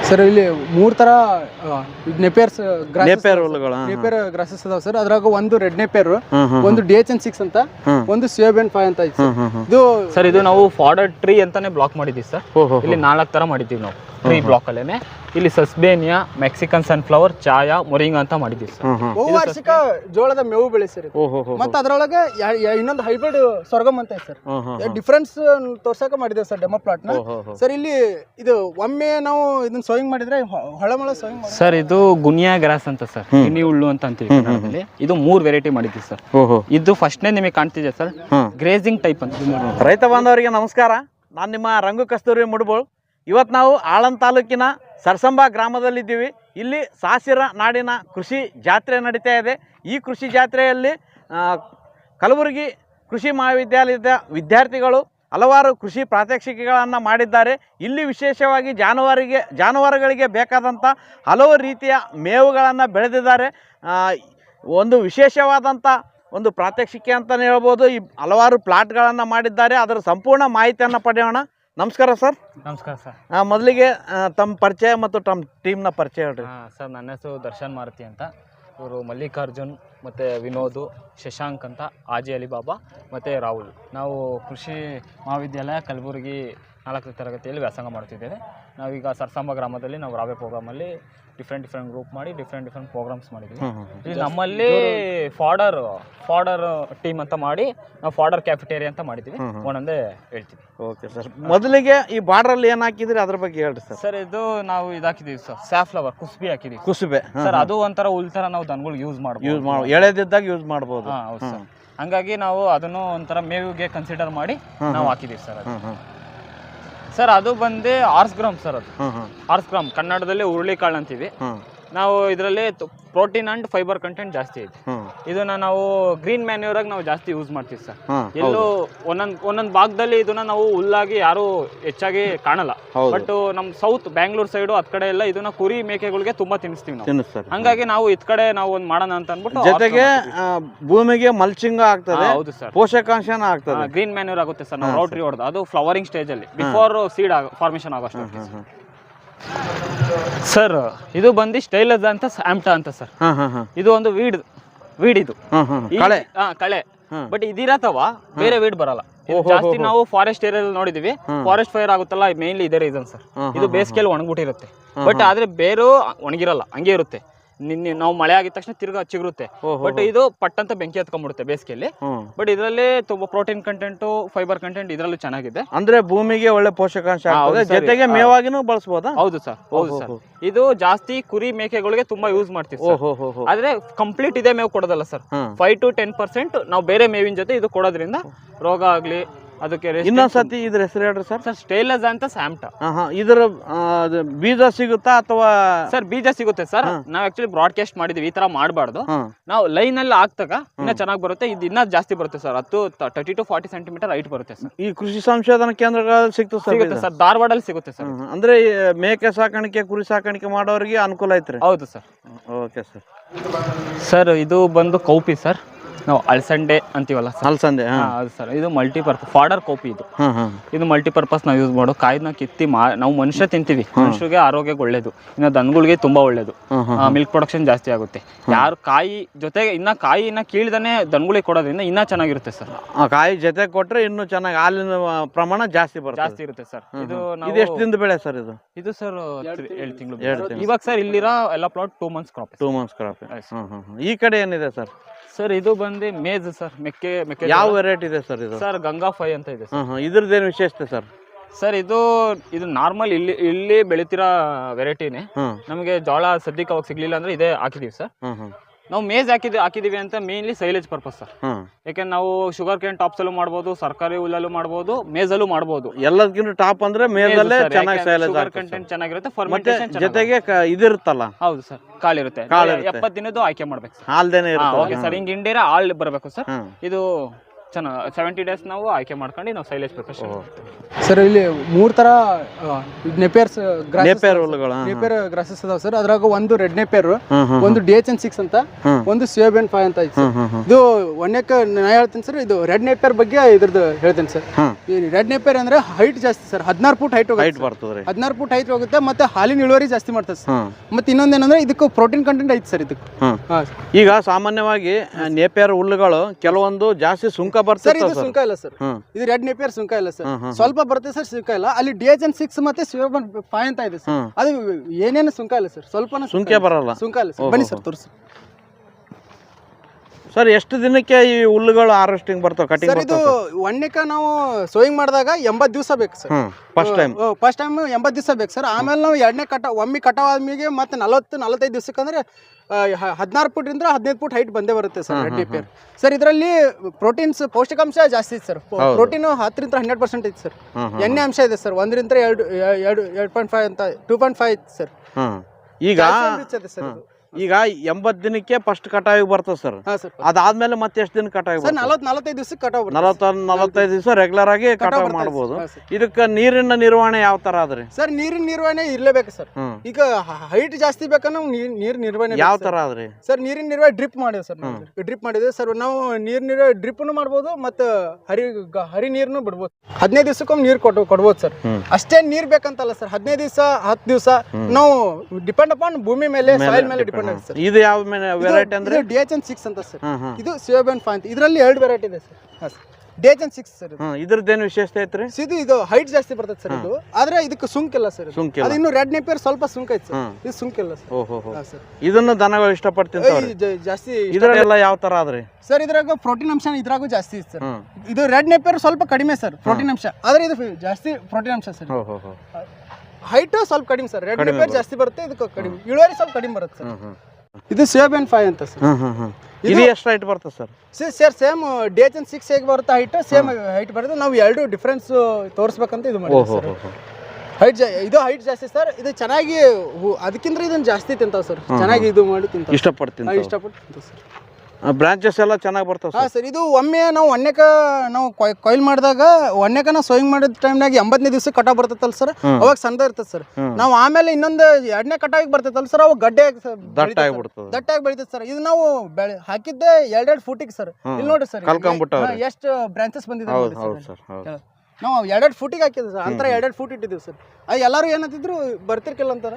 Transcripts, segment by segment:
Sir ಇಲ್ಲಿ 3 ತರ ನೆಪೇರ್ grasses ಅದಾವ ಸರ್. ಅದ್ರಾಗ ಒಂದು ರೆಡ್ ನೆಪೇರ್, ಒಂದು DHN6 ಅಂತ, ಒಂದು COBN 5 ಅಂತ ಐತಿ ಇದು ಸರ್. ಇದು ನಾವು ಫಾರ್ಡರ್ ಟ್ರೀ ಅಂತಾನೆ ಬ್ಲಾಕ್ ಮಾಡಿದೀವಿ ಸರ್. ಇಲ್ಲಿ 4 ತರ ಮಾಡಿದೀವಿ ನಾವು ಟ್ರೀ ಬ್ಲಾಕ್ ಅಲ್ಲೇನೆ. ಇಲ್ಲಿ sesbania, Mexican sunflower, chaya, moringa ಅಂತ ಮಾಡಿದೀವಿ ಸರ್. ಬಹುವಾರ್ಷಿಕ ಜೋಳದ ಮೇವು ಬೆಳೆ ಸರ್. ಮತ್ತೆ ಅದ್ರೊಳಗೆ ಇನ್ನೊಂದು ಹೈಬ್ರಿಡ್ ಸ್ವರ್ಗಮ್ ಅಂತ ಐತೆ ಸರ್. ಡಿಫರೆನ್ಸ್ ತೋರ್ಸಕ ಮಾಡಿದೇವೆ ಸರ್ ಡೆಮೋ ಪ್ಲಾಟ್ ನ ಸರ್. ಇಲ್ಲಿ ಇದು ಒಮ್ಮೆ ನಾವು ಇದನ್ನ ಸೋಯಿಂಗ್ ಮಾಡಿದ್ರೆ ಹೊಳಮಳ ಸೋಯಿಂಗ್ ಸರ್. ಇದು ಗುನಿಯಾ ಗ್ರಾಸ್ ಅಂತ ಸರ್, ಗಿನಿ ಹುಳ್ಳು ಅಂತ ಅಂತೀವಿ ಕನ್ನಡದಲ್ಲಿ. ಇದು 3 ವೆರೈಟಿ ಮಾಡಿದ್ವಿ ಸರ್. ಇದು ಫಸ್ಟ್ನೇ ನಿಮಗೆ ಕಾಣ್ತಿದೆ ಸರ್, ಗ್ರೇಜಿಂಗ್ ಟೈಪ್ ಅಂತ. ರೈತ ಬಾಂಧವರಿಗೆ ನಮಸ್ಕಾರ. ನಾನು ನಿಮ್ಮ ರಂಗು ಕಸ್ತೂರಿ ಮುಡ್ಬೋಳ್. ಇವತ್ತು ನಾವು ಆಳಂದ ತಾಲೂಕಿನ ಸರ್ಸಂಬ ಗ್ರಾಮದಲ್ಲಿದ್ದೀವಿ. ಇಲ್ಲಿ ಸಾಸಿರ ನಾಡಿನ ಕೃಷಿ ಜಾತ್ರೆ ನಡೀತಾ ಇದೆ. ಈ ಕೃಷಿ ಜಾತ್ರೆಯಲ್ಲಿ ಕಲಬುರಗಿ ಕೃಷಿ ಮಹಾವಿದ್ಯಾಲಯದ ವಿದ್ಯಾರ್ಥಿಗಳು ಹಲವಾರು ಕೃಷಿ ಪ್ರಾತ್ಯಕ್ಷಿಕೆಗಳನ್ನು ಮಾಡಿದ್ದಾರೆ. ಇಲ್ಲಿ ವಿಶೇಷವಾಗಿ ಜಾನುವಾರುಗಳಿಗೆ ಬೇಕಾದಂಥ ಹಲವು ರೀತಿಯ ಮೇವುಗಳನ್ನು ಬೆಳೆದಿದ್ದಾರೆ. ಒಂದು ವಿಶೇಷವಾದಂಥ ಒಂದು ಪ್ರಾತ್ಯಕ್ಷಿಕೆ ಅಂತಲೇ ಹೇಳ್ಬೋದು. ಈ ಹಲವಾರು ಪ್ಲಾಟ್ಗಳನ್ನು ಮಾಡಿದ್ದಾರೆ. ಅದರ ಸಂಪೂರ್ಣ ಮಾಹಿತಿಯನ್ನು ಪಡೆಯೋಣ. ನಮಸ್ಕಾರ ಸರ್. ನಮಸ್ಕಾರ ಸರ್. ಮೊದಲಿಗೆ ತಮ್ಮ ಪರಿಚಯ ಮತ್ತು ತಮ್ಮ ಟೀಮ್ನ ಪರಿಚಯ ಹೇಳ್ರಿ. ಸರ್, ನನ್ನ ಹೆಸರು ದರ್ಶನ್ ಮಾರುತಿ ಅಂತ. ಇವರು ಮಲ್ಲಿಕಾರ್ಜುನ್ ಮತ್ತು ವಿನೋದ್, ಶಶಾಂಕ್ ಅಂತ, ಆಜಿ ಅಲಿಬಾಬಾ ಮತ್ತು ರಾಹುಲ್. ನಾವು ಕೃಷಿ ಮಹಾವಿದ್ಯಾಲಯ ಕಲಬುರಗಿ 4ನೇ ತರಗತಿಯಲ್ಲಿ ವ್ಯಾಸಂಗ ಮಾಡ್ತಿದ್ದೇವೆ. ನಾವೀಗ ಸರ್ಸಂಬ ಗ್ರಾಮದಲ್ಲಿ ನಾವು ರಾವೆ ಪ್ರೋಗ್ರಾಮಲ್ಲಿ ಡಿಫ್ರೆಂಟ್ ಪ್ರೋಗ್ರಾಮ್ಸ್ ಮಾಡಿದ್ವಿ. ಇಲ್ಲಿ ನಮ್ಮಲ್ಲಿ ಫಾರ್ಡರ್ ಟೀಮ್ ಅಂತ ಮಾಡಿ ನಾವು ಫಾರ್ಡರ್ ಕ್ಯಾಫಿಟೇರಿಯಾ ಅಂತ ಮಾಡಿದ್ವಿ. ಒಂದೊಂದೇ ಹೇಳ್ತೀವಿ. Okay sir. ಮೊದಲಿಗೆ ಈ ಬಾರ್ಡ್ರಲ್ಲಿ ಏನು ಹಾಕಿದ್ರಿ ಅದ್ರ ಬಗ್ಗೆ ಹೇಳ್ರಿ ಸರ್. ಸರ್, ಇದು ನಾವು ಇದಾಕಿದೀವಿ ಸರ್, ಸ್ಯಾಫ್ಲವರ್ ಕುಸುಬೆ ಹಾಕಿದೀವಿ. ಕುಸುಬೆ ಸರ್, ಅದು ಒಂಥರ ಉಲ್ತರ ನಾವು ದನಗಳಿಗೆ ಯೂಸ್ ಎಳೆದಿದ್ದಾಗ ಯೂಸ್ ಮಾಡ್ಬೋದು. ಹೌದು ಸರ್. ಹಂಗಾಗಿ ನಾವು ಅದನ್ನು ಒಂಥರ ಮೇವಿಗೆ ಕನ್ಸಿಡರ್ ಮಾಡಿ ನಾವು ಹಾಕಿದೀವಿ ಸರ್. ಸರ್, ಅದು ಬಂದು ಆರ್ಸ್ ಗ್ರಾಮ್ ಸರ್. ಅದು ಆರ್ಸ್ ಗ್ರಾಮ್ ಕನ್ನಡದಲ್ಲಿ ಹುರುಳಿಕಾಳು ಅಂತೀವಿ ನಾವು. ಇದರಲ್ಲಿ ಪ್ರೋಟೀನ್ ಅಂಡ್ ಫೈಬರ್ ಕಂಟೆಂಟ್ ಜಾಸ್ತಿ ಐತೆ. ಇದನ್ನ ನಾವು ಗ್ರೀನ್ ಮ್ಯಾನ್ಯೂರ್ ಆಗಿ ನಾವು ಜಾಸ್ತಿ ಯೂಸ್ ಮಾಡ್ತೀವಿ ಸರ್. ಎಲ್ಲೂ ಒಂದೊಂದ್ ಭಾಗದಲ್ಲಿ ಇದನ್ನ ನಾವು ಹುಲ್ಲಾಗಿ ಯಾರು ಹೆಚ್ಚಾಗಿ ಕಾಣಲ್ಲ. ಬಟ್ ನಮ್ ಸೌತ್ ಬ್ಯಾಂಗ್ಳೂರ್ ಸೈಡ್ ಅದ್ ಕಡೆ ಎಲ್ಲ ಇದನ್ನ ಕುರಿ ಮೇಕೆಗಳಿಗೆ ತುಂಬಾ ತಿನ್ನಿಸ್ತೀವಿ ನಾವು. ಹಂಗಾಗಿ ನಾವು ಇದ್ ಕಡೆ ನಾವು ಒಂದ್ ಮಾಡೋಣ ಅಂತ ಅನ್ಬಿಟ್ಟು ಜೊತೆಗೆ ಭೂಮಿಗೆ ಮಲ್ಚಿಂಗ್ ಆಗ್ತದೆ. ಹೌದು ಸರ್. ಪೋಷಕಾಂಶನ ಆಗ್ತದೆ. ಗ್ರೀನ್ ಮ್ಯಾನ್ಯೂರ್ ಆಗುತ್ತೆ ಸರ್. ನಾವು ರೌಟ್ರಿ ಹೊಡೆದು ಅದು ಫ್ಲವರಿಂಗ್ ಸ್ಟೇಜ್ ಅಲ್ಲಿ ಬಿಫೋರ್ ಸೀಡ್ ಫಾರ್ಮೇಶನ್ ಆಗೋಷ್ಟು. ಸರ್, ಇದು ಬಂದು ಸ್ಟೈಲಸ್ ಅಂತ ಆಮ್ಟಾ ಅಂತ ಸರ್. ಇದು ಒಂದು ವೀಡ್ ಇದು ಕಳೆ. ಬಟ್ ಇದಿರತ್ತವ ಬೇರೆ ವೀಡ್ ಬರಲ್ಲ. ಜಾಸ್ತಿ ನಾವು ಫಾರೆಸ್ಟ್ ಏರಿಯಾದಲ್ಲಿ ನೋಡಿದೀವಿ. ಫಾರೆಸ್ಟ್ ಫೈರ್ ಆಗುತ್ತಲ್ಲ, ಮೇನ್ಲಿ ಇದೇ ರೀಸನ್ ಸರ್. ಇದು ಬೇಸಿಗೆಯಲ್ಲಿ ಒಣಗ್ಬಿಟ್ಟಿರುತ್ತೆ. ಬಟ್ ಆದ್ರೆ ಬೇರು ಒಣಗಿರಲ್ಲ, ಹಂಗೆ ಇರುತ್ತೆ. ನಾವು ಮಳೆ ಆಗಿದ ತಕ್ಷಣ ತಿರ್ಗಾ ಚಿಗುರುತ್ತೆ. ಬಟ್ ಇದು ಪಟ್ಟಂತ ಬೆಂಕಿ ಹತ್ಕೊಂಡ್ಬಿಡುತ್ತೆ ಬೇಸಿಗೆಯಲ್ಲಿ. ಬಟ್ ಇದರಲ್ಲಿ ತುಂಬಾ ಪ್ರೋಟೀನ್ ಕಂಟೆಂಟ್, ಫೈಬರ್ ಕಂಟೆಂಟ್ ಇದರಲ್ಲೂ ಚೆನ್ನಾಗಿದೆ. ಅಂದ್ರೆ ಭೂಮಿಗೆ ಒಳ್ಳೆ ಪೋಷಕಾಂಶ ಜೊತೆಗೆ ಮೇವಾಗಿನೂ ಬಳಸಬಹುದಾ? ಹೌದು ಸರ್. ಹೌದು ಸರ್. ಇದು ಜಾಸ್ತಿ ಕುರಿ ಮೇಕೆಗಳಿಗೆ ತುಂಬಾ ಯೂಸ್ ಮಾಡ್ತೀವಿ. ಆದ್ರೆ ಕಂಪ್ಲೀಟ್ ಇದೇ ಮೇವು ಕೊಡೋದಲ್ಲ ಸರ್. 5 to 10% ನಾವು ಬೇರೆ ಮೇವಿನ ಜೊತೆ ಇದು ಕೊಡೋದ್ರಿಂದ ರೋಗ ಆಗ್ಲಿ ಅದಕ್ಕೆ. ಇನ್ನೊಂದ್ಸತಿ ಇದ್ರ ಹೆಸರು ಹೇಳ್ರಿ ಸರ್. ಸರ್, ಸ್ಟೈಲಸ್ ಅಂತ ಸ್ಯಾಮ್ಟಾ. ಇದರ ಬೀಜ ಸಿಗುತ್ತಾ ಅಥವಾ? ಸರ್, ಬೀಜ ಸಿಗುತ್ತೆ ಸರ್. ನಾವ್ ಆಕ್ಚುಲಿ ಬ್ರಾಡ್ಕಾಸ್ಟ್ ಮಾಡಿದೀವಿ, ಈ ತರ ಮಾಡಬಾರ್ದು. ನಾವು ಲೈನ್ ಅಲ್ಲಿ ಹಾಕ್ದಾಗ ಇನ್ನ ಚೆನ್ನಾಗಿ ಬರುತ್ತೆ. ಇದು ಇನ್ನ ಜಾಸ್ತಿ ಬರುತ್ತೆ ಸರ್. 30 to 40 ಸೆಂಟಿಮೀಟರ್ ಹೈಟ್ ಬರುತ್ತೆ ಸರ್. ಈ ಕೃಷಿ ಸಂಶೋಧನಾ ಕೇಂದ್ರಗಳಲ್ಲಿ ಸಿಗುತ್ತೆ ಸರ್. ಧಾರವಾಡಲ್ಲಿ ಸಿಗುತ್ತೆ ಸರ್. ಅಂದ್ರೆ ಮೇಕೆ ಸಾಕಾಣಿಕೆ, ಕುರಿ ಸಾಕಾಣಿಕೆ ಮಾಡೋರಿಗೆ ಅನುಕೂಲ ಐತ್ರಿ. ಹೌದು ಸರ್. Okay sir. ಸರ್, ಇದು ಬಂದು ಕೌಪಿ ಸರ್. ನಾವು ಅಳಸಂಡೆ ಅಂತೀವಲ್ಲ ಸರ್. ಅಲಸಂದೆ. ಹೌದು ಸರ್. ಇದು ಮಲ್ಟಿಪರ್ಪಸ್ ಫಾರ್ಡರ್ ಕಾಪಿ. ಇದು ಮಲ್ಟಿಪರ್ಪಸ್ ನಾವು ಯೂಸ್ ಮಾಡೋ ಕಾಯಿನ ಕಿತ್ತಿ ನಾವು ಮನುಷ್ಯ ತಿಂತೀವಿ. ಮನುಷ್ಯರಿಗೆ ಆರೋಗ್ಯಕ್ಕೆ ಒಳ್ಳೇದು. ಇನ್ನು ದನಗಳಿಗೆ ತುಂಬಾ ಒಳ್ಳೇದು. ಮಿಲ್ಕ್ ಪ್ರೊಡಕ್ಷನ್ ಜಾಸ್ತಿ ಆಗುತ್ತೆ. ಯಾರು ಕಾಯಿ ಜೊತೆಗೆ ಕಾಯಿನ ಕೀಳ್ದಾನೆ ದನಗಳಿಗೆ ಕೊಡೋದ್ರಿಂದ ಇನ್ನ ಚೆನ್ನಾಗಿರುತ್ತೆ ಸರ್. ಕಾಯಿ ಜೊತೆ ಕೊಟ್ರೆ ಇನ್ನು ಚೆನ್ನಾಗಿ ಹಾಲಿನ ಪ್ರಮಾಣ ಜಾಸ್ತಿ ಇರುತ್ತೆ ಸರ್. ಇದು ಎಷ್ಟು ದಿನದ ಬೆಳೆ ಸರ್? ಇದು ಸರ್ 7 ತಿಂಗಳು. ಇವಾಗ ಸರ್ ಇಲ್ಲಿರೋ ಎಲ್ಲ plot 2 months crop. 2 months crop. ಈ ಕಡೆ ಏನಿದೆ ಸರ್? ಸರ್, ಇದು ಬಂದು ಮೇಜ್ ಸರ್. ಮೆಕ್ಕೆ ಯಾವ ವೆರೈಟಿ ಇದೆ ಸರ್ ಇದು? ಸರ್, ಗಂಗಾ 5 ಅಂತ ಇದೆ ಸರ್. ಇದ್ರದ್ದೇನು ವಿಶೇಷತೆ ಸರ್? ಸರ್, ಇದು ನಾರ್ಮಲ್ ಇಲ್ಲಿ ಬೆಳಿತಿರೋ ವೆರೈಟಿನೇ. ನಮಗೆ ಜೋಳ ಸದ್ಯಕ್ಕೆ ಅವಾಗ ಸಿಗ್ಲಿಲ್ಲ ಅಂದ್ರೆ ಇದೇ ಹಾಕಿದೀವಿ ಸರ್. ನಾವು ಮೇಜ್ ಹಾಕಿದೀವಿ ಅಂತ ಮೇನ್ಲಿ ಸೈಲೇಜ್ ಪರ್ಪಸ್ ಸರ್. ಯಾಕಂದ್ರೆ ನಾವು ಶುಗರ್ ಕೇನ್ ಟಾಪ್ಸ್ ಅಲ್ಲೂ ಮಾಡಬಹುದು, ಸರ್ಕಾರಿ ಹುಲ್ಲಲ್ಲೂ ಮಾಡಬಹುದು, ಮೇಜಲ್ಲೂ ಮಾಡಬಹುದು. ಎಲ್ಲದಕ್ಕಿಂತ ಟಾಪ್ ಅಂದ್ರೆ ಮೇಜಲ್ಲೇ ಚೆನ್ನಾಗಿ ಸೈಲೇಜ್ ಕಂಟೆಂಟ್ ಚೆನ್ನಾಗಿರುತ್ತೆ. ಫರ್ಮೆಂಟೇಷನ್ ಜೊತೆಗೆ ಇದಿರುತ್ತಲ್ಲ. ಹೌದು ಸರ್. ಕಾಳಿರುತ್ತೆ. 70 ದಿನದ್ದು ಆಯ್ಕೆ ಮಾಡ್ಬೇಕು ಸರ್. ಹಾಲ್ದೇನೆ ಇರುತ್ತೆ. Okay sir. ಹಿಂಗ್ ಇಂಡಿರಾ ಹಾಲ್ ಬರಬೇಕು ಸರ್. ಇದು ಚೆನ್ನಾಗಿ 70 days ನಾವು ಆಯ್ಕೆ ಮಾಡ್ಕೊಂಡು ನಾವು ಸೈಲೇಜ್ ಪ್ರಿಪರೇಷನ್ ಸರ್. ಇಲ್ಲಿ 3 ತರ ನೆಪೇರ್ ಗ್ರಾಸಸ್ ಅದಾವ ಸರ್. ಅದ್ರಾಗ ಒಂದು ರೆಡ್ ನೆಪೇರ್, ಒಂದು DHN6 ಅಂತ, ಒಂದು COBN 5 ಅಂತ ಐತಿ. ಇದು ಒಣ್ಣೆಕ್ಕ ನಾ ಹೇಳ್ತೀನಿ ಸರ್. ಇದು ರೆಡ್ ನೆಪೇರ್ ಬಗ್ಗೆ ಇದ್ರದ್ದು ಹೇಳ್ತೇನೆ ಸರ್. ರೆಡ್ ನೇಪಿಯರ್ ಅಂದ್ರೆ ಹೈಟ್ ಜಾಸ್ತಿ ಸರ್, 16 ಫೂಟ್ ಹೈಟ್ ಹೈಟ್ ಬರ್ತದ್ರಿ. 16 ಫೂಟ್ ಹೈಟ್ ಹೋಗುತ್ತೆ, ಮತ್ತೆ ಹಾಲಿನ ಇಳುವರಿ ಜಾಸ್ತಿ ಮಾಡ್ತದೆ ಸರ್. ಮತ್ತೆ ಇನ್ನೊಂದೇನಂದ್ರೆ ಇದಕ್ಕೆ ಪ್ರೋಟೀನ್ ಕಂಟೆಂಟ್ ಐತಿ ಸರ್ ಇದಕ್ಕೆ. ಈಗ ಸಾಮಾನ್ಯವಾಗಿ ನೇಪಿಯರ್ ಹುಲ್ಲುಗಳು ಕೆಲವೊಂದು ಜಾಸ್ತಿ ಸುಂಕ ಸರ್, ಬರ್ತದೆ. ಇದು ಸುಂಕ ಇಲ್ಲ ಸರ್, ಇದು ರೆಡ್ ನೇಪಿಯರ್ ಸುಂಕ ಇಲ್ಲ ಸರ್, ಸ್ವಲ್ಪ ಬರುತ್ತೆ ಸರ್, ಸುಂಕ ಇಲ್ಲ. ಅಲ್ಲಿ DHN 6 ಮತ್ತೆ ಸಿಯೋಬನ್ 5 ಅಂತ ಇದೆ ಸರ್, ಅದು ಏನೇನು ಸುಂಕ ಇಲ್ಲ ಸರ್, ಸ್ವಲ್ಪ ಸುಂಕ ಬರಲ್ಲ, ಸುಂಕ ಇಲ್ಲ ಸರ್. ಬನ್ನಿ ಸರ್ ತೋರಿಸಿ ಸರ್. ಎಷ್ಟು ದಿನಕ್ಕೆ ಈ ಹುಲ್ಲುಗಳು ಹಾರ್ವೆಸ್ಟಿಂಗ್ ಬರ್ತಾವೆ, ಕಟಿಂಗ್ ಸರ್? ಇದು ಒಣ್ಣೆಕ ನಾವು ಸೋಯಿಂಗ್ ಮಾಡಿದಾಗ 80 ದಿವಸ ಬೇಕು ಸರ್. ಫಸ್ಟ್ ಟೈಮ್ 80 ದಿವಸ ಬೇಕು ಸರ್. ಆಮೇಲೆ ನಾವು ಎರಡನೇ ಒಮ್ಮೆ ಕಟಾವ್ ಆದ್ಮೇಲೆ ಮತ್ತೆ 40-45 ದಿವಸಕ್ಕೆ ಅಂದ್ರೆ 16 ಫುಟ್ರಿಂದ 15 ಫುಟ್ ಹೈಟ್ ಬಂದೇ ಬರುತ್ತೆ ಸರ್ ರೆಡ್ ನೇಪಿಯರ್. ಸರ್ ಇದರಲ್ಲಿ ಪ್ರೋಟೀನ್ಸ್ ಪೌಷ್ಟಿಕಾಂಶ ಜಾಸ್ತಿ ಇದೆ ಸರ್. ಪ್ರೋಟೀನ್ 10% 100% ಐತೆ ಸರ್. ಎಣ್ಣೆ ಅಂಶ ಇದೆ ಸರ್, 1 ರಿಂದ 2.5 ಅಂತ 2.5 ಐತೆ ಸರ್. ಈಗ ಸರ್ ಈಗ 80 ದಿನಕ್ಕೆ ಫಸ್ಟ್ ಕಟಾವಿಗೆ ಬರ್ತದೆ ಸರ್. ಅದಾದ್ಮೇಲೆ ಮತ್ತೆ ಎಷ್ಟು ದಿನ ಕಟಾವಿಗೆ ಸರ್? 40-45 ದಿವಸಕ್ಕೆ ಕಟಾವ್ 45 ದಿವಸ ರೆಗ್ಯುಲರ್ ಆಗಿ ಕಟಾವ್ ಮಾಡಬಹುದು. ಇದಕ್ಕೆ ನೀರಿನ ನಿರ್ವಹಣೆ ಯಾವ ತರ ಆದ್ರಿ ಸರ್? ನೀರಿನ ನಿರ್ವಹಣೆ ಇರ್ಲೇಬೇಕು ಸರ್. ಈಗ ಹೈಟ್ ಜಾಸ್ತಿ ಬೇಕಂದ್ರೆ ನೀರ್ ನಿರ್ವಹಣೆ ಯಾವ ತರ ಆದ್ರಿ ಸರ್? ನೀರಿನ ನಿರ್ವಹಣೆ ಡ್ರಿಪ್ ಮಾಡಿದೆ ಸರ್, ಡ್ರಿಪ್ ಮಾಡಿದೆ ಸರ್. ನಾವು ನೀರ್ ನಿರ್ವಹಣೆ ಡ್ರಿಪ್ನು ಮಾಡ್ಬೋದು, ಮತ್ತೆ ಹರಿ ನೀರ್ನು ಬಿಡ್ಬೋದು. 15 ದಿವಸಕ್ಕೊಮ್ಮೆ ನೀರ್ ಕೊಡ್ಬೋದು ಸರ್. ಅಷ್ಟೇ ನೀರ್ ಬೇಕಂತಲ್ಲ ಸರ್, 15 ದಿವಸ 10 ದಿವಸ ನಾವು ಡಿಪೆಂಡ್ ಅಪಾನ್ ಭೂಮಿ ಮೇಲೆ, ಸಾಯಿಲ್ ಮೇಲೆ ಡಿಪೆಂಡ್. ಇದು ಯಾವ ವೆರೈಟಿ ಅಂದ್ರೆ? DHN 6 ಅಂತ ಸರ್. ಇದು ಸಿಯೋಬನ್ 5 ಅಂತ. ಇದರಲ್ಲಿ 2 ವೆರೈಟಿ ಇದೆ ಸರ್. DHN 6 sir. ಇದ್ರದ್ದೇನು ವಿಶೇಷತೆ ಐತ್ರಿ? ಇದು ಹೈಟ್ ಜಾಸ್ತಿ ಬರ್ತದೆ ಸರ್. ಇದು ಆದ್ರೆ ಇದಕ್ಕೆ ಸುಂಕ ಇಲ್ಲ ಸರ್. ಅದು ಇನ್ನು ರೆಡ್ ನೇಪಿಯರ್ ಸ್ವಲ್ಪ ಸುಂಕ ಐತೆ ಸರ್, ಇದು ಸುಂಕ ಇಲ್ಲ ಸರ್. ಇದನ್ನ ದನಗಳು ಇಷ್ಟಪಡ್ತೀನಿ ಜಾಸ್ತಿ. ಇದ್ರೆಲ್ಲ ಯಾವ ತರ ಆದ್ರಿ ಸರ್? ಇದ್ರಾಗ ಪ್ರೋಟೀನ್ ಅಂಶ ಇದ್ರಾಗೂ ಜಾಸ್ತಿ ಇದೆ ಸರ್. ಇದು ರೆಡ್ ನೇಪಿಯರ್ ಸ್ವಲ್ಪ ಕಡಿಮೆ ಸರ್ ಪ್ರೋಟೀನ್ ಅಂಶ, ಆದ್ರೆ ಇದು ಜಾಸ್ತಿ ಪ್ರೋಟೀನ್ ಅಂಶ ಸರ್. ಹೈಟ್ ಸ್ವಲ್ಪ ಕಡಿಮೆ ಸರ್. ರೆಡ್ ನೇಪಿಯರ್ ಜಾಸ್ತಿ ಬರುತ್ತೆ, ಇದಕ್ಕೆ ಕಡಿಮೆ, ಇಳುವರಿ ಸ್ವಲ್ಪ ಕಡಿಮೆ ಬರುತ್ತೆ ಸರ್. ಇದು ಸಿಯೋಬನ್ 5 ಅಂತ ಸರ್. ಇದು ಎಷ್ಟು ಹೈಟ್ ಬರ್ತದೆ ಸರ್? ಸರ್ ಸೇಮ್ DHN 6 ಹೇಗೆ ಬರುತ್ತೆ ಹೈಟ್, ಸೇಮ್ ಹೈಟ್ ಬರುತ್ತೆ. ನಾವು ಎರಡು ಡಿಫ್ರೆನ್ಸ್ ತೋರಿಸ್ಬೇಕಂತ ಇದು ಮಾಡಿದ್ವಿ ಸರ್. ಹೈಟ್ ಇದು ಹೈಟ್ ಜಾಸ್ತಿ ಸರ್. ಇದು ಚೆನ್ನಾಗಿ ಅದಕ್ಕಿಂತ ಇದನ್ನ ಜಾಸ್ತಿ ತಿಂತಾವ ಸರ್. ಚೆನ್ನಾಗಿ ಇದು ಮಾಡಿ ತಿಂತಾವ, ಇಷ್ಟಪಟ್ಟು ತಿಂತಾವ ಸರ್. ಬ್ರಾಂಚಸ್ ಎಲ್ಲ ಚೆನ್ನಾಗಿ ಬರ್ತಾವ ಹಾಂ ಸರ್. ಇದು ಒಮ್ಮೆ ನಾವು ಒಣ್ಣೆಕ ನಾವು ಕೊಯ್ಲ್ ಮಾಡಿದಾಗ ಒಣ್ಣೆಕ ನಾವು ಸೋಯಿಂಗ್ ಮಾಡಿದ ಟೈಮ್ನಾಗ 80ನೇ ದಿವಸ ಕಟಾವ್ ಬರ್ತೈತಲ್ಲ ಸರ್, ಅವಾಗ ಸಣ್ಣ ಇರ್ತದೆ ಸರ್. ನಾವು ಆಮೇಲೆ ಇನ್ನೊಂದು 2ನೇ ಕಟಾವಿಗೆ ಬರ್ತೈತಲ್ಲ ಸರ್, ಅವಾಗ ಗಡ್ಡೆ ದಟ್ಟಾಗಿ ಬೆಳಿತೈತೆ ಸರ್. ಇದು ನಾವು ಹಾಕಿದ್ದೆ 2 ಫೂಟಿಗೆ ಸರ್. ಇಲ್ಲಿ ನೋಡಿ ಸರ್ ಎಷ್ಟು ಬ್ರಾಂಚಸ್ ಬಂದಿದೆ ಸರ್. ನಾವು 2 ಫೂಟಿಗೆ ಹಾಕಿದ್ವಿ ಸರ್, ಅಂತರ 2 ಫೂಟ್ ಇಟ್ಟಿದ್ದೀವಿ ಸರ್. ಅದು ಎಲ್ಲರೂ ಏನಂತಿದ್ರು ಬರ್ತಿರ್ಕಿಲ್ಲ ಅಂತಾರ,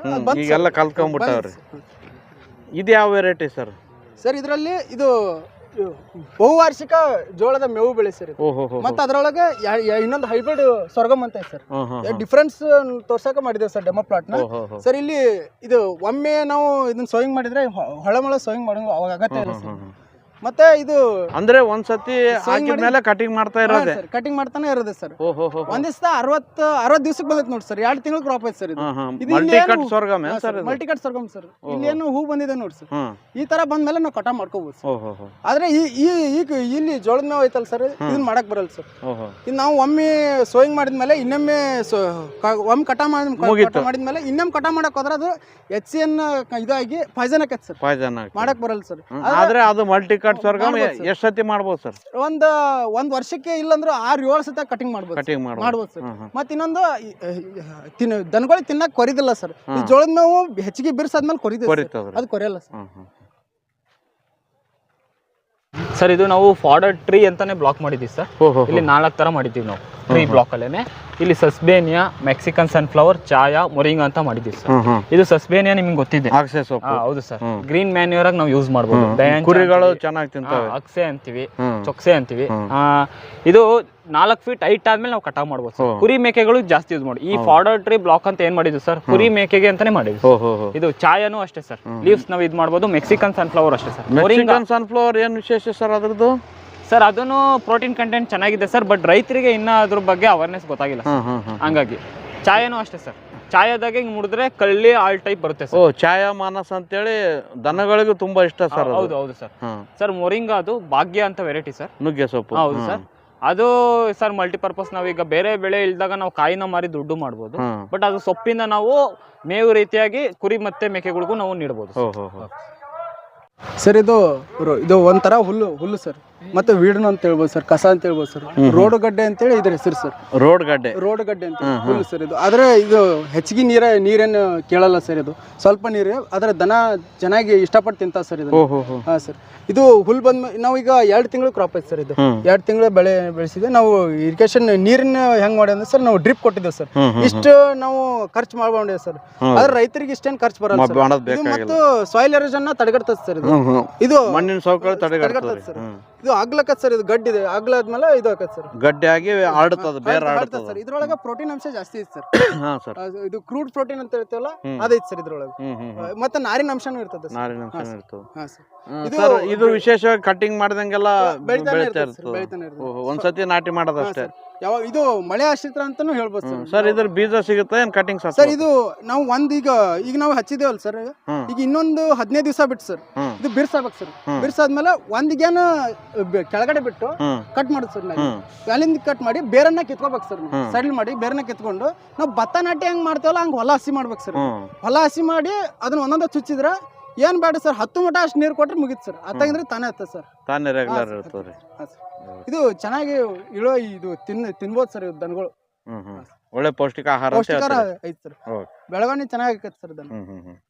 ಇದು ಯಾವ ವೆರೈಟಿ ಸರ್? ಸರ್ ಇದರಲ್ಲಿ ಇದು ಬಹುವಾರ್ಷಿಕ ಜೋಳದ ಮೇವು ಬೆಳೆ ಸರ್. ಮತ್ತೆ ಅದರೊಳಗೆ ಇನ್ನೊಂದು ಹೈಬ್ರಿಡ್ ಸ್ವರ್ಗಮ್ ಅಂತ ಸರ್. ಡಿಫ್ರೆನ್ಸ್ ತೋರ್ಸಕ ಮಾಡಿದ್ದೇವೆ ಸರ್ ಡೆಮೋ ಪ್ಲಾಟ್ ನ ಸರ್. ಇಲ್ಲಿ ಇದು ಒಮ್ಮೆ ನಾವು ಇದನ್ನ ಸೋಯಿಂಗ್ ಮಾಡಿದ್ರೆ ಹೊಳಮಳ ಸೋಯಿಂಗ್ ಮಾಡೋ ಅವಾಗ ಅಗತ್ಯ ಇಲ್ಲ ಸರ್. ಮತ್ತೆ ಇದು ಅಂದ್ರೆ ಒಂದ್ಸತಿ ಹಾಕಿದ್ಮೇಲೆ ಕಟಿಂಗ್ ಮಾಡ್ತಾ ಇರೋದು, ಕಟಿಂಗ್ ಮಾಡ್ತಾನೆ ಇರೋದು ಸರ್. ಒಂದ್ ದಿವಸ 60 ದಿವಸಕ್ಕೆ ಬಂದೈತೆ ನೋಡಿ ಸರ್. 2 ತಿಂಗಳು ಕ್ರಾಪ್ ಐತೆ ಸರ್. ಇದು ಮಲ್ಟಿಕಟ್ ಸ್ವರ್ಗಮ್ ಸರ್. ಇಲ್ಲಿ ಏನು ಹೂ ಬಂದಿದೆ ನೋಡಿ ಸರ್. ಈ ತರ ಬಂದ್ಮೇಲೆ ನಾವು ಕಟಾವ್ ಮಾಡ್ಕೋಬಹುದು ಸರ್. ಆದ್ರೆ ಈಗ ಇಲ್ಲಿ ಜೋಳದ ಮೇವು ಐತಲ್ಲ ಸರ್, ಇದನ್ನ ಮಾಡಕ್ ಬರಲ್ಲ ಸರ್. ಇದು ನಾವು ಒಮ್ಮೆ ಸೋಯಿಂಗ್ ಮಾಡಿದ್ಮೇಲೆ ಇನ್ನೊಮ್ಮೆ ಒಮ್ಮೆ ಕಟಾವ್ ಮಾಡಿದ್ಮೇಲೆ ಇನ್ನೊಮ್ಮೆ ಕಟಾವ್ ಮಾಡಕ್ ಹೋದ್ರೆ ಅದು HCN ಇದಾಗಿ ಪಾಯ್ಸನ್ ಆಕೈತೆ ಸರ್, ಮಾಡಕ್ ಬರಲ್ಲ ಸರ್. ಆದ್ರೆ ಅದು ಮಲ್ಟಿಕಟ್ ಸ್ವರ್ಗಮ್ ಎಷ್ಟು ಸತಿ ಮಾಡ್ಬೋದು ಸರ್? ಒಂದ್ ವರ್ಷಕ್ಕೆ ಇಲ್ಲಂದ್ರೆ 6-7 ಸತಿ ಕಟಿಂಗ್ ಮಾಡ್ಬೋದು ಸರ್. ಮತ್ತೆ ಇನ್ನೊಂದು ದನಗಳಿಗೆ ತಿನ್ನಕ್ ಕೊರಿದಿಲ್ಲ ಸರ್. ಈ ಜೋಳದ ಮೇವು ಹೆಚ್ಚಿಗೆ ಬಿರ್ಸಾದ್ಮೇಲೆ ಕೊರಿದೆ, ಅದು ಕೊರಿಯಲ್ಲ ಸರ್. ಸರ್ ಇದು ನಾವು ಫಾಡರ್ ಟ್ರೀ ಅಂತಾನೆ ಬ್ಲಾಕ್ ಮಾಡಿದ್ದೀವಿ ಸರ್. ಇಲ್ಲಿ 4 ತರ ಮಾಡಿದ್ದೀವಿ ನಾವು ಟ್ರೀ ಬ್ಲಾಕ್ ಅಲ್ಲೇನೆ. ಇಲ್ಲಿ sesbania, Mexican sunflower, chaya, moringa ಅಂತ ಮಾಡಿದ್ದೀವಿ ಸರ್. ಇದು ಸಸ್ಬೇನಿಯಾ ನಿಮ್ಗೆ ಗೊತ್ತಿದೆ, ಹೌದು ಸರ್. ಗ್ರೀನ್ ಮ್ಯಾನ್ಯೂರ್ ಆಗಿ ನಾವು ಯೂಸ್ ಮಾಡಬಹುದು. ಕುರಿಗಳು ಚೆನ್ನಾಗಿ ತಿಂತಾವೆ, ಅಕ್ಸೆ ಅಂತೀವಿ, ಚೊಕ್ಸೆ ಅಂತೀವಿ. ಇದು 4 ಫೀಟ್ ಹೈಟ್ ಆದ್ಮೇಲೆ ನಾವು ಕಟಾವ್ ಮಾಡ್ಬೋದು ಸರ್. ಕುರಿ ಮೇಕೆಗಳು ಜಾಸ್ತಿ ಯೂಸ್ ಮಾಡಿ. ಈ ಫಾಡರ್ ಟ್ರೀ ಬ್ಲಾಕ್ ಅಂತ ಏನ್ ಮಾಡಿದ್ವಿ ಸರ್, ಕುರಿ ಮೇಕೆಗೆ ಅಂತಾನೆ ಮಾಡಿದ್ವಿ. ಇದು ಚಾಯಾನು ಅಷ್ಟೇ ಸರ್, ಲೀವ್ಸ್ ನಾವು ಇದು ಮಾಡ್ಬೋದು. ಮೆಕ್ಸಿಕನ್ ಸನ್ಫ್ಲವರ್ ಅಷ್ಟೇ ಸರ್. ಮೆಕ್ಸಿಕನ್ ಸನ್ಫ್ಲವರ್ ಏನ್ ವಿಶೇಷ ಸರ್ ಅದ್ರದ್ದು? ಸರ್ ಅದನ್ನು ಪ್ರೋಟೀನ್ ಕಂಟೆಂಟ್ ಚೆನ್ನಾಗಿದೆ ಸರ್, ಬಟ್ ರೈತರಿಗೆ ಇನ್ನ ಅದ್ರ ಬಗ್ಗೆ ಅವೇರ್ನೆಸ್ ಗೊತ್ತಾಗಿಲ್ಲ. ಹಂಗಾಗಿ ಚಾಯಾನು ಅಷ್ಟೇ ಸರ್. ಚಾಯಾದಾಗ ಹಿಂಗ್ ಮುಡಿದ್ರೆ ಕಳ್ಳಿ ಆಲ್ ಟೈಪ್ ಬರುತ್ತೆ ಸರ್. ಚಾಯಾ ಮಾನಸ್ ಅಂತೇಳಿ ದನಗಳಿಗೂ ತುಂಬಾ ಇಷ್ಟ ಸರ್. ಹೌದು ಸರ್. ಸರ್ ಮೊರಿಂಗಾ ಅದು ಭಾಗ್ಯ ಅಂತ ವೆರೈಟಿ ಸರ್, ನುಗ್ಗೆ ಸೊಪ್ಪು. ಹೌದು ಸರ್. ಅದು ಸರ್ ಮಲ್ಟಿಪರ್ಪಸ್. ನಾವೀಗ ಬೇರೆ ಬೆಳೆ ಇಲ್ದಾಗ ನಾವು ಕಾಯಿನ ಮಾರಿ ದುಡ್ಡು ಮಾಡ್ಬೋದು, ಬಟ್ ಅದು ಸೊಪ್ಪಿಂದ ನಾವು ಮೇವು ರೀತಿಯಾಗಿ ಕುರಿ ಮತ್ತೆ ಮೇಕೆಗಳಿಗೂ ನಾವು ನೀಡಬಹುದು ಸರ್. ಇದು ಒಂಥರ ಹುಲ್ಲು ಸರ್. ಮತ್ತೆ ವೀಡನ್ ಅಂತ ಹೇಳ್ಬೋದು ಸರ್, ಕಸ ಅಂತ ಹೇಳ್ಬೋದು ಸರ್, ರೋಡ್ ಗಡ್ಡೆ ಅಂತೇಳಿ ಇದ್ರ ಹೆಸರು ಸರ್. ರೋಡ್ ಗಡ್ಡೆ ಅಂತ ಹುಲ್ಲು ಸರ್ ಇದು. ಆದ್ರೆ ಇದು ಹೆಚ್ಚಿಗೆ ನೀರೇನು ಕೇಳಲ್ಲ ಸರ್, ಇದು ಸ್ವಲ್ಪ ನೀರು, ಆದ್ರೆ ದನ ಚೆನ್ನಾಗಿ ಇಷ್ಟಪಟ್ಟು ತಿಂತ ಸರ್ ಇದು. ಹಾ ಸರ್, ಇದು ಹುಲ್ ಬಂದ್ ನಾವು ಈಗ 2 ತಿಂಗಳು ಕ್ರಾಪ್ ಐತೆ ಸರ್. ಇದು 2 ತಿಂಗಳು ಬೆಳೆಸಿದೆ ನಾವು. ಇರಿಗೇಷನ್ ನೀರಿನ ಹೆಂಗ್ ಮಾಡಿ ಅಂದ್ರೆ ಸರ್, ನಾವು ಡ್ರಿಪ್ ಕೊಟ್ಟಿದ್ದೇವೆ ಸರ್. ಇಷ್ಟು ನಾವು ಖರ್ಚು ಮಾಡ್ಕೊಂಡಿದ್ದೇವೆ ಸರ್. ಆದ್ರೆ ರೈತರಿಗೆ ಇಷ್ಟೇನು ಖರ್ಚು ಬರಲ್ಲ ಸರ್. ಇದು ಮತ್ತು ಸಾಯಿಲ್ ಎರೋಷನ್ ತಡೆಗಟ್ತದೆ ಸರ್. ಇದು ಮಣ್ಣಿನ ಸವಕಳಿ ತಡೆಗಟ್ತದೆ ಸರ್. ಇದು ಆಗ್ಲಕತ್ ಸರ್, ಇದು ಗಡ್ಡಿ ಇದೆ, ಆಗ್ಲಾದ್ಮೇಲೆ ಇದು ಆಕತ್ ಸರ್, ಗಡ್ಡೆ ಆಗಿ ಆಡುತ್ತದೆ, ಬೇರೆ ಆಡುತ್ತದೆ ಸರ್. ಇದ್ರೊಳಗೆ ಪ್ರೋಟೀನ್ ಅಂಶ ಜಾಸ್ತಿ ಐತೆ ಸರ್. ಹಾ ಸರ್, ಇದು ಕ್ರೂಡ್ ಪ್ರೋಟೀನ್ ಅಂತ ಹೇಳ್ತೀವಲ್ಲ ಅದೈತೆ ಸರ್ ಇದ್ರೊಳಗೆ. ಮತ್ತೆ ನಾರಿನ ಅಂಶನೂ ಇರ್ತದೆ ಸರ್. ನಾರಿನ ಅಂಶ ಇರ್ತದೆ. ಹಾ ಸರ್, ಇದು ವಿಶೇಷವಾಗಿ ಕಟಿಂಗ್ ಮಾಡ್ದಂಗೆಲ್ಲ ಬೆಳಿತಾನೆ ಬೆಳಿತಾ ಇರ್ತದೆ ಸರ್, ಬೆಳಿತಾನೆ ಇರ್ತದೆ. ಒಂದ್ಸತಿ ನಾಟಿ ಮಾಡೋದಷ್ಟೇ. ಯಾವ ಇದು ಮಳೆ ಆಶ್ರಿತ ಅಂತಾನು ಹೇಳ್ಬೋದು ಸರ್. ಸರ್ ಇದ್ರ ಬೀಜ ಸಿಗುತ್ತೆ ಏನ್ ಕಟಿಂಗ್ ಸರ್? ಇದು ನಾವು ಈಗ ನಾವು ಹಚ್ಚಿದೇವಲ್ಲ ಸರ್, ಈಗ ಇನ್ನೊಂದು 15 ದಿವಸ ಬಿಟ್ಟು ಸರ್ ಇದು ಬಿರ್ಸಾಬೇಕು ಸರ್. ಬಿರ್ಸಾದ್ಮೇಲೆ ಒಂದಿಗೇನು ಕೆಳಗಡೆ ಬಿಟ್ಟು ಕಟ್ ಮಾಡುದು ಸರ್. ನಾವು ಅಲ್ಲಿಂದ ಕಟ್ ಮಾಡಿ ಬೇರನ್ನ ಕಿತ್ಕೋಬೇಕು ಸರ್. ಸೈಡ್ ಮಾಡಿ ಬೇರನ್ನ ಕಿತ್ಕೊಂಡು ನಾವು ಭತ್ತ ನಾಟಿ ಹೆಂಗ್ ಮಾಡ್ತೇವಲ್ಲ ಹಂಗ ಹೊಲ ಹಸಿ ಮಾಡ್ಬೇಕು ಸರ್. ಹೊಲ ಹಸಿ ಮಾಡಿ ಅದನ್ನ ಒಂದೊಂದ ಚುಚ್ಚಿದ್ರ ಏನ್ ಬೇಡ ಸರ್, 10 ಮಟ ಅಷ್ಟು ನೀರು ಕೊಟ್ರೆ ಮುಗಿತ್ ಸರ್. ಅತ್ತಾಗಿದ್ರೆ ತಾನೇ ಹತ್ತ ಸರ್, ತಾನೇ ರೆಗ್ಯುಲರ್ ಇರ್ತದೆ. ಇದು ಚೆನ್ನಾಗಿ ಇಳೋ ಇದು ತಿನ್ಬೋದು ಸರ್. ಇದು ದನಗಳು ಒಳ್ಳೆ ಪೌಷ್ಟಿಕ ಆಹಾರ ಐತಿ ಸರ್. ಬೆಳವಣಿಗೆ ಚೆನ್ನಾಗಿ ಆಕೈತಿ ಸರ್ ದನ.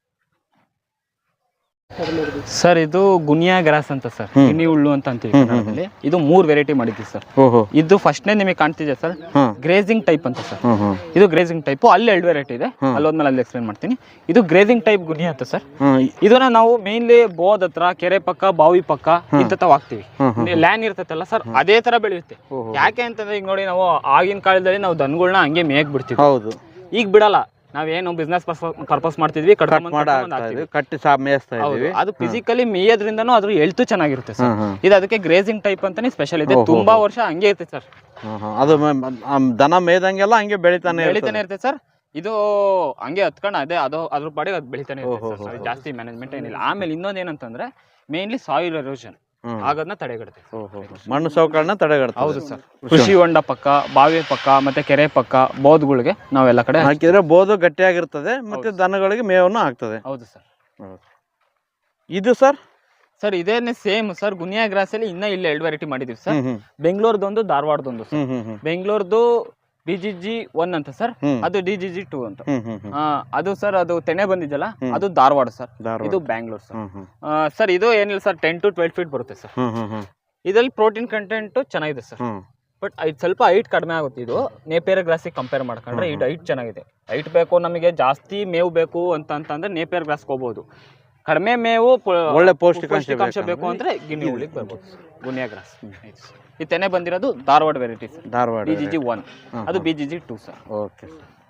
ಸರ್ ಇದು ಗುನಿಯಾ ಗ್ರಾಸ್ ಅಂತ ಸರ್, ಗಿನಿ ಹುಳ್ಳು ಅಂತ ಅಂತೀವಿ ಕನ್ನಡದಲ್ಲಿ. ಇದು 3 ವೆರೈಟಿ ಮಾಡಿದ್ವಿ ಸರ್. ಇದು ಫಸ್ಟ್ನೇ ನಿಮಗೆ ಕಾಣ್ತಿದೆ ಸರ್, ಗ್ರೇಜಿಂಗ್ ಟೈಪ್ ಅಂತ ಸರ್. ಇದು ಗ್ರೇಜಿಂಗ್ ಟೈಪ್. ಅಲ್ಲಿ 2 ವೆರೈಟಿ ಇದೆ, ಅಲ್ಲೋದ್ಮೇಲೆ ಅಲ್ಲಿ ಎಕ್ಸ್ಪ್ಲೇನ್ ಮಾಡ್ತೀನಿ. ಇದು ಗ್ರೇಜಿಂಗ್ ಟೈಪ್ ಗುನಿಯಾ ಅಂತ ಸರ್. ಇದನ್ನ ನಾವು ಮೇನ್ಲಿ ಬೋದ್ ಹತ್ರ, ಕೆರೆ ಪಕ್ಕ, ಬಾವಿ ಪಕ್ಕ ಇಂಥವ್ ಹಾಕ್ತಿವಿ. ಲ್ಯಾನ್ ಇರ್ತೈತಲ್ಲ ಸರ್, ಅದೇ ತರ ಬೆಳೆಯುತ್ತೆ. ಯಾಕೆ ಅಂತಂದ್ರೆ ಈಗ ನೋಡಿ, ನಾವು ಆಗಿನ ಕಾಲದಲ್ಲಿ ನಾವು ದನಗಳನ್ನ ಹಂಗೆ ಮೇಯಕ್ ಬಿಡ್ತೀವಿ. ಹೌದು, ಈಗ ಬಿಡಲ್ಲ. ನಾವೇನು ಬಿಸ್ನೆಸ್ ಪರ್ಪಸ್ ಮಾಡ್ತಿದ್ವಿ, ಕಟ್ಟಿ ಮೇಯಿಸ್ತಾ ಇದ್ವಿ. ಅದು ಫಿಸಿಕಲಿ ಮೇಯೋದ್ರಿಂದನೂ ಅದ್ರ ಹೆಲ್ತ್ ಚೆನ್ನಾಗಿರುತ್ತೆ ಸರ್. ಇದು ಅದಕ್ಕೆ ಗ್ರೇಜಿಂಗ್ ಟೈಪ್ ಅಂತಾನೆ ಸ್ಪೆಷಲ್ ಇದೆ. ತುಂಬಾ ವರ್ಷ ಹಂಗೆ ಇರುತ್ತೆ ಸರ್. ಅದು ದನ ಮೇಯ್ದಂಗೆಲ್ಲ ಹಂಗೆ ಬೆಳಿತಾನೆ ಇರುತ್ತೆ ಸರ್. ಇದು ಹಂಗೆ ಹತ್ಕೊಂಡು ಅದ್ರ ಪಾಡಿಗೆ ಅದು ಬೆಳಿತಾನೆ ಇರುತ್ತೆ ಸರ್. ಜಾಸ್ತಿ ಮ್ಯಾನೇಜ್ಮೆಂಟ್ ಏನಿಲ್ಲ. ಆಮೇಲೆ ಇನ್ನೊಂದು ಏನಂತಂದ್ರೆ ಮೇನ್ಲಿ ಸಾಯಿಲ್ ಎರೋಷನ್ ಆಗೋದನ್ನ ತಡೆಗಟ್ಟುತ್ತೆ. ಮಣ್ಣು ಸವಕಳನ್ನ ತಡೆಗಟ್ಟುತ್ತೆ. ಹೌದು ಸರ್. ಕೃಷಿ ಹೊಂಡ ಪಕ್ಕ, ಬಾವಿ ಪಕ್ಕ, ಮತ್ತೆ ಕೆರೆ ಪಕ್ಕ, ಬೋದ್ಗಳಿಗೆ ನಾವೆಲ್ಲ ಕಡೆ ಹಾಕಿದ್ರೆ ಬೋದು ಗಟ್ಟಿಯಾಗಿರ್ತದೆ, ಮತ್ತೆ ದನಗಳಿಗೆ ಮೇವನ್ನು ಆಗ್ತದೆ. ಹೌದು ಸರ್. ಇದು ಸರ್ ಸರ್ ಇದೇನೆ ಸೇಮ್ ಸರ್. ಗುನಿಯಾ ಗ್ರಾಸ್ ಅಲ್ಲಿ ಇನ್ನ ಇಲ್ಲಿ 2 ವೆರೈಟಿ ಮಾಡಿದೀವಿ ಸರ್. ಬೆಂಗಳೂರದೊಂದು, ಧಾರವಾಡದೊಂದು ಸರ್. ಬೆಂಗಳೂರದು BGG1 ಅಂತ ಸರ್, ಅದು DGG2 ಅಂತ. ಅದು ಸರ್, ಅದು ತೆನೆ ಬಂದಿದ್ದಲ್ಲ, ಅದು ಧಾರವಾಡ ಸರ್. ಇದು ಬ್ಯಾಂಗ್ಳೂರ್ ಸರ್. ಸರ್ ಇದು ಏನಿಲ್ಲ ಸರ್, 10 to 12 ಫೀಟ್ ಬರುತ್ತೆ ಸರ್. ಇದ್ರಲ್ಲಿ ಪ್ರೋಟೀನ್ ಕಂಟೆಂಟ್ ಚೆನ್ನಾಗಿದೆ ಸರ್. ಬಟ್ ಇದು ಸ್ವಲ್ಪ ಹೈಟ್ ಕಡಿಮೆ ಆಗುತ್ತೆ. ಇದು ನೇಪಿಯರ್ ಗ್ರಾಸಿಗೆ ಕಂಪೇರ್ ಮಾಡ್ಕೊಂಡ್ರೆ ಇದು ಹೈಟ್ ಚೆನ್ನಾಗಿದೆ. ಹೈಟ್ ಬೇಕು ನಮಗೆ, ಜಾಸ್ತಿ ಮೇವು ಬೇಕು ಅಂತಂದ್ರೆ ನೇಪಿಯರ್ ಗ್ರಾಸ್ಗೆ ಹೋಗ್ಬೋದು. ಕಡಿಮೆ ಮೇವು, ಒಳ್ಳೆ ಪೌಷ್ಟಿಕಾಂಶ ಬೇಕು ಅಂದ್ರೆ ಗಿನಿ ಹುಳಿಗೆ ಬರ್ಬೋದು. ಗುನಿಯಾ ಗ್ರಾಸ್ ಈ ತೆನೆ ಬಂದಿರೋದು Dharwad variety sir. Dharwad BGG1, ಅದು BGG2 ಸರ್. Okay sir.